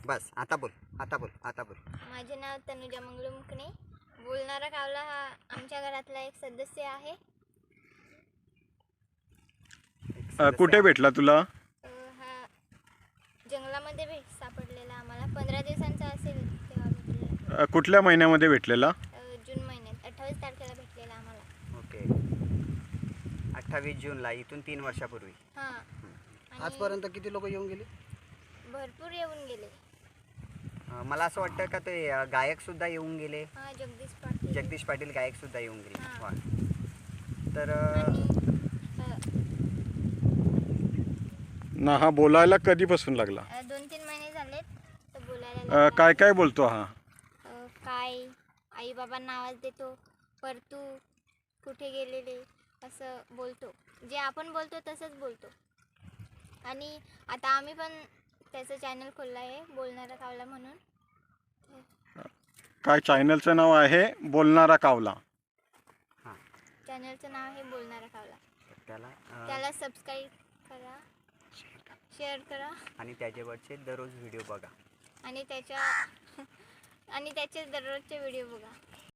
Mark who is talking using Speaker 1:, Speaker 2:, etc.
Speaker 1: बस आता बोल आता बोल आता बोल.
Speaker 2: माझे नाव तनुजा मंगळू मुकणे. बोलणारा कावला हा आमच्या घरातला एक सदस्य आहे.
Speaker 3: कुठे भेटला तुला?
Speaker 2: हा जंगलामध्ये सापडलेला आम्हाला 15 दिवसांचा असेल तेव्हा भेटलेला.
Speaker 3: कुठल्या महिन्यामध्ये भेटलेला?
Speaker 2: जून महिन्यात 28 तारखेला भेटलेला आम्हाला.
Speaker 1: ओके 28 जूनला, इथून 3 वर्षापूर्वी.
Speaker 2: हां
Speaker 4: आजपर्यंत किती लोक येऊन गेले?
Speaker 2: भरपूर येऊन गेले.
Speaker 1: मला असं वाटतं का ते गायक सुद्धा येऊन गेले.
Speaker 2: हां जगदीश पाटील गायक सुद्धा येऊन गेले. हां.
Speaker 1: वा. तर
Speaker 3: ना हा बोलायला कधीपासून लागला?
Speaker 2: 2-3 महिने झालेत तर बोलायला लागला.
Speaker 3: काय काय बोलतो हा?
Speaker 2: काय आई बाबांना आवाज देतो, परतू कुठे गेलेले असं बोलतो. जे आपण बोलतो तसंच बोलतो. आणि आता आम्ही पण त्याचं चॅनल खोललं आहे बोलणारा कावला म्हणून.
Speaker 3: काय चॅनलचं नाव आहे? बोलणारा कावला.
Speaker 2: चॅनलचं नाव आहे बोलणारा कावला.
Speaker 1: त्याला
Speaker 2: सबस्क्राईब करा, शेअर करा
Speaker 1: आणि त्याच्यावरचे दररोज व्हिडिओ बघा.
Speaker 2: आणि त्याचे दररोजचे व्हिडिओ बघा.